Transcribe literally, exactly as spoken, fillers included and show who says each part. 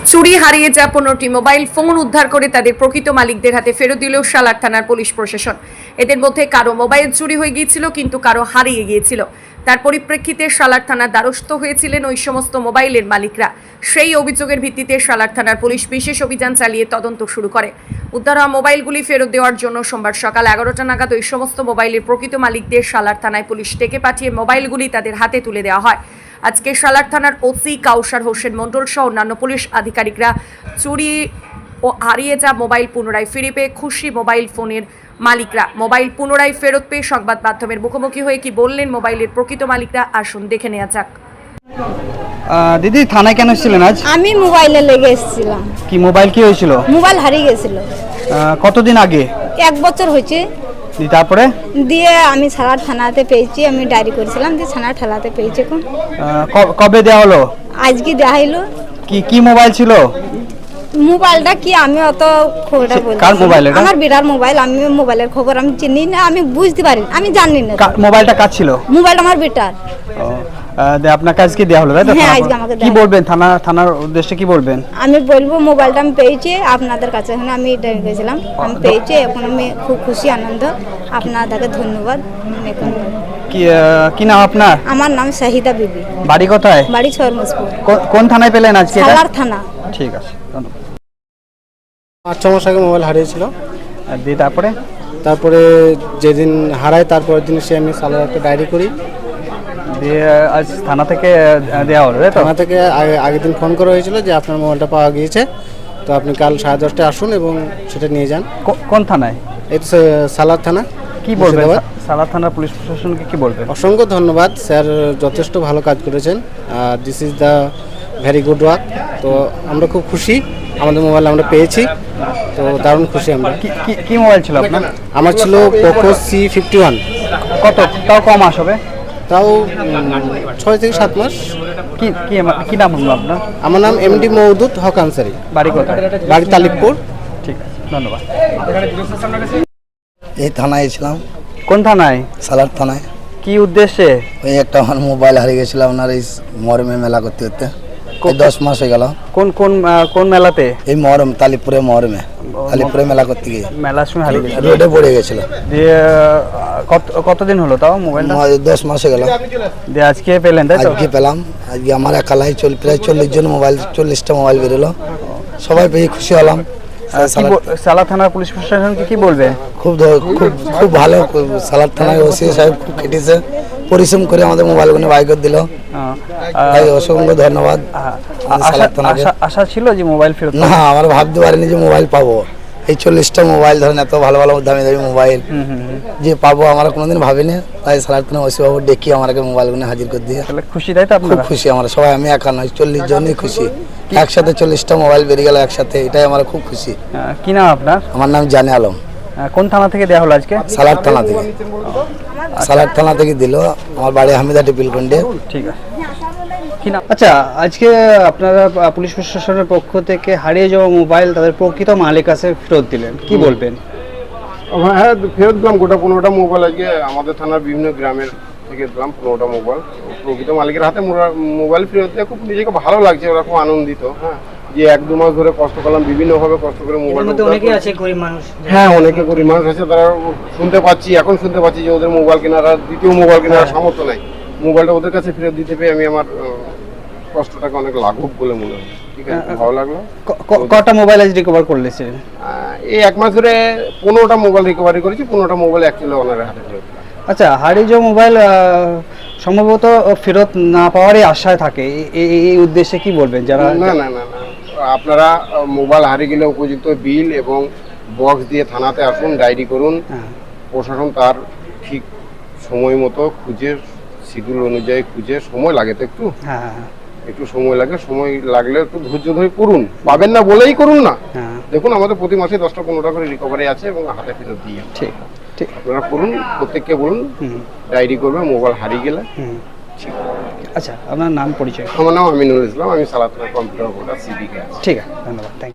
Speaker 1: চুরি হারিয়ে যাওয়া পনেরোটি মোবাইল ফোন উদ্ধার করে তাদের প্রকৃত মালিকদের হাতে ফেরত দিল সালার থানার পুলিশ প্রশাসন। এদের মধ্যে কারো মোবাইল চুরি হয়ে গিয়েছিল, কিন্তু কারো হারিয়ে গিয়েছিল। তার পরিপ্রেক্ষিতে সালার থানার দ্বারস্থ হয়েছিলেন ওই সমস্ত মোবাইলের মালিকরা। সেই অভিযোগের ভিত্তিতে সালার থানার পুলিশ বিশেষ অভিযান চালিয়ে তদন্ত শুরু করে। উদ্ধার হওয়া মোবাইলগুলি ফেরত দেওয়ার জন্য সোমবার সকাল এগারোটা নাগাদ ওই সমস্ত মোবাইলের প্রকৃত মালিকদের সালার থানায় পুলিশ ডেকে পাঠিয়ে মোবাইলগুলি তাদের হাতে তুলে দেওয়া হয়। আজকে সালার থানার ওসি কাউসার হোসেন মণ্ডল সহ অন্যান্য পুলিশ আধিকারিকরা চুরি ও হারিয়ে যাওয়া মোবাইল পুনরায় ফিরে পেয়ে খুশি মোবাইল ফোনের মালিকরা। মোবাইল পুনরায় ফেরত পেয়ে সংবাদ মাধ্যমের মুখোমুখি হয়ে কি বললেন মোবাইলের প্রকৃত মালিকরা, আসুন দেখে নেওয়া যাক।
Speaker 2: দিদি, থানায় কেন এসেছিলেন আজ?
Speaker 3: আমি মোবাইলে লেগে এসেছিলাম।
Speaker 2: কি মোবাইল কি হয়েছিল?
Speaker 3: মোবাইল হারিয়ে গেছিল।
Speaker 2: কতদিন আগে?
Speaker 3: এক বছর হয়েছে।
Speaker 2: তারপরে
Speaker 3: দিয়ে আমি সালার থানাতে পেয়েছি, আমি ডায়েরি করেছিলাম, দিয়ে থানার ঠালাতে পেয়েছি। এখন
Speaker 2: কবে দেওয়া হলো?
Speaker 3: আজকে দেওয়া হলো।
Speaker 2: কি কি মোবাইল ছিল?
Speaker 3: মোবাইলটা কি আমি অত খবরটা বলতে,
Speaker 2: কার মোবাইল এটা?
Speaker 3: আমার বিরাট মোবাইল, আমি মোবাইলের খবর আমি চিনি না, আমি বুঝতে পারি, আমি জানি না।
Speaker 2: মোবাইলটা কার ছিল?
Speaker 3: মোবাইলটা আমার বেটার।
Speaker 2: আপনার কাছে কি দেওয়া হলো, তাই তো?
Speaker 3: হ্যাঁ, আজকে আমাকে
Speaker 2: কি বলবেন থানা থানার উদ্দেশ্যে কি বলবেন?
Speaker 3: আমি বলবো মোবাইলটা আমি পেয়েছি আপনাদের কাছে, এখন আমি ডায়েরি করেছিলাম, আমি পেয়েছি। এখন আমি খুব খুশি, আনন্দ। আপনাদেরকে ধন্যবাদ। এখন
Speaker 2: কি কি নাম আপনার?
Speaker 3: আমার নাম শাহিদা বিবি।
Speaker 2: বাড়ি কোথায়?
Speaker 3: বাড়ি ছরমসপুর।
Speaker 2: কোন থানায় পেলেন আজকে?
Speaker 3: সালার থানা।
Speaker 2: ঠিক আছে, ধন্যবাদ।
Speaker 4: পাঁচ ছ মাস আগে মোবাইল হারিয়েছিল।
Speaker 2: দিয়ে তারপরে
Speaker 4: তারপরে যেদিন হারায় তারপরের দিন সে আমি সালার একটা ডায়েরি করি।
Speaker 2: দিয়ে আজ থানা থেকে দেওয়া হলো, তাই তো?
Speaker 4: থানা থেকে আগে আগের দিন ফোন করা হয়েছিল যে আপনার মোবাইলটা পাওয়া গিয়েছে, তো আপনি কাল সাড়ে দশটায় আসুন এবং সেটা নিয়ে যান।
Speaker 2: কোন থানায়?
Speaker 4: এই তো সালার থানা।
Speaker 2: কি বলবেন সালার থানার পুলিশ প্রশাসনকে কি বলবেন?
Speaker 4: অসংখ্য ধন্যবাদ স্যার, যথেষ্ট ভালো কাজ করেছেন। This is the very good work. তো আমরা খুব খুশি, আমাদের মোবাইল আমরা পেয়েছি, তো দারুণ খুশি আমরা।
Speaker 2: কি কি মোবাইল ছিল আপনার?
Speaker 4: আমার ছিল পোকো সি ফিফটি ওয়ান।
Speaker 2: কত তাও কম মাস হবে?
Speaker 4: তাও ছয় থেকে সাত মাস।
Speaker 2: কি কি কি নাম হলো আপনার?
Speaker 4: আমার নাম এমডি মওদুদ হক আনসারি।
Speaker 2: বাড়ি কোথায়?
Speaker 4: বাড়ি তালিবপুর।
Speaker 2: ঠিক আছে, ধন্যবাদ।
Speaker 5: এই থানায় এসেছিলাম।
Speaker 2: কোন থানায়?
Speaker 5: সালার থানায়।
Speaker 2: কি উদ্দেশ্যে?
Speaker 5: ওই একটা আমার মোবাইল হারিয়ে গেছিল আপনার এই মরমে মেলা করতে করতে, দশ মাস হয়ে গেল।
Speaker 2: কোন কোন কোন মেলাতে?
Speaker 5: এই মরম তালিপুরে মরমে তালিপুরে মেলা করতে গিয়ে
Speaker 2: মেলার সময় হারিয়ে গেছিল,
Speaker 5: রোডে পড়ে গেছিল।
Speaker 2: দিয়ে কত কতদিন হলো তাও মোবাইল?
Speaker 5: দশ মাস হয়ে গেল।
Speaker 2: দিয়ে আজকে পেলেন, তাই তো?
Speaker 5: আজকে পেলাম। আজকে আমার একালাই চল প্রায় চল্লিশ জন মোবাইল, চল্লিশটা মোবাইল বেরোলো। সবাই পেয়ে খুশি হলাম।
Speaker 2: সালার থানার পুলিশ প্রশাসনকে কি বলবে? খুব
Speaker 5: খুব খুব ভালো। সালার থানায় ওসি সাহেব খুব কেটেছে, পরিশ্রম করে আমাদের মোবাইলগুলো বাই করে দিল। অসংখ্য ধন্যবাদ।
Speaker 2: আশা ছিল যে মোবাইল ফেরত?
Speaker 5: না, আমরা ভাবতে পারিনি যে মোবাইল পাবো। এই চল্লিশটা মোবাইল ধরেন, এত ভালো ভালো দামি দামি মোবাইল যে পাবো আমরা কোনোদিন ভাবিনি। তাই সালার থানা ওসি বাবু ডেকে আমাকে মোবাইলগুলো হাজির করে দিয়ে
Speaker 2: খুশি, তাই তো?
Speaker 5: খুব খুশি আমরা সবাই, আমি একা নয়, চল্লিশ জনই খুশি। একসাথে চল্লিশটা মোবাইল বেরিয়ে গেল একসাথে, এটাই আমরা খুব খুশি।
Speaker 2: কি নাম আপনার?
Speaker 5: আমার নাম জানে আলম।
Speaker 2: কোন থানা থেকে দেওয়া হলো আজকে?
Speaker 5: সালার থানা থেকে। সালার থানা থেকে দিল। আমার বাড়ি হামিদা টিপিলকুন্ডে।
Speaker 2: ঠিক আছে। আচ্ছা, আজকে আপনারা পুলিশ প্রশাসনের পক্ষ থেকে হারিয়ে যাওয়া মোবাইল তাদের প্রকৃত মালিক কাছে ফেরত দিলেন, কি বলবেন?
Speaker 6: হ্যাঁ, ফেরত দিলাম গোটা পনেরোটা মোবাইল। আজকে আমাদের থানার বিভিন্ন গ্রামের থেকে দিলাম পনেরোটা মোবাইল। প্রকৃত মালিকের হাতে মোবাইল ফেরত দিয়ে খুব নিজেকে ভালো লাগছে, ওরা খুব আনন্দিত। হ্যাঁ, যে এক দু মাস ধরে কষ্ট করলাম, বিভিন্নভাবে কষ্ট করে মোবাইল। হ্যাঁ, অনেকে গরিব মানুষ আছে, তারা শুনতে পাচ্ছি, এখন শুনতে পাচ্ছি যে ওদের মোবাইল কেনার আর দ্বিতীয় মোবাইল কেনার সামর্থ্য নাই। মোবাইলটা ওদের কাছে ফেরত দিতে পেরে আমি আমার কষ্টটাকে অনেক লাঘব বলে মনে হয়। ঠিক আছে, ভালো লাগলো।
Speaker 2: কটা মোবাইল আজ রিকভার করলেছে?
Speaker 6: এই এক মাস ধরে পনেরোটা মোবাইল রিকভারি করেছি। পনেরোটা মোবাইল অ্যাকচুয়ালি ওনার হাতে ফেরত।
Speaker 2: আচ্ছা, হারিয়ে যাওয়া মোবাইল সম্ভবত ফেরত না পাওয়ারই আশায় থাকে, এই উদ্দেশ্যে কি বলবেন? যারা
Speaker 6: না না না না আপনারা মোবাইল হারিয়ে গেলে উপযুক্ত বিল এবং বক্স দিয়ে থানাতে আসুন, ডায়েরি করুন। প্রশাসন তার ঠিক সময় মতো খুঁজে, শিডিউল অনুযায়ী খুঁজে, সময় লাগে তো একটু, হ্যাঁ একটু সময় লাগে। সময় লাগলে একটু ধৈর্য ধরে করুন, পাবেন না বলেই করুন না। দেখুন, আমাদের প্রতি মাসে দশটা পনেরোটা করে রিকভারি আছে এবং হাতে ফেরত দিয়ে।
Speaker 2: ঠিক ঠিক
Speaker 6: আপনারা করুন, প্রত্যেককে বলুন ডায়েরি করবে মোবাইল হারিয়ে গেলে।
Speaker 2: আচ্ছা, আপনার নাম পরিচয়?
Speaker 6: আমার নাম আমিনুল ইসলাম, আমি সালার থানা কম্পিউটার অপারেটর সিভিকে।
Speaker 2: ঠিক আছে, ধন্যবাদ।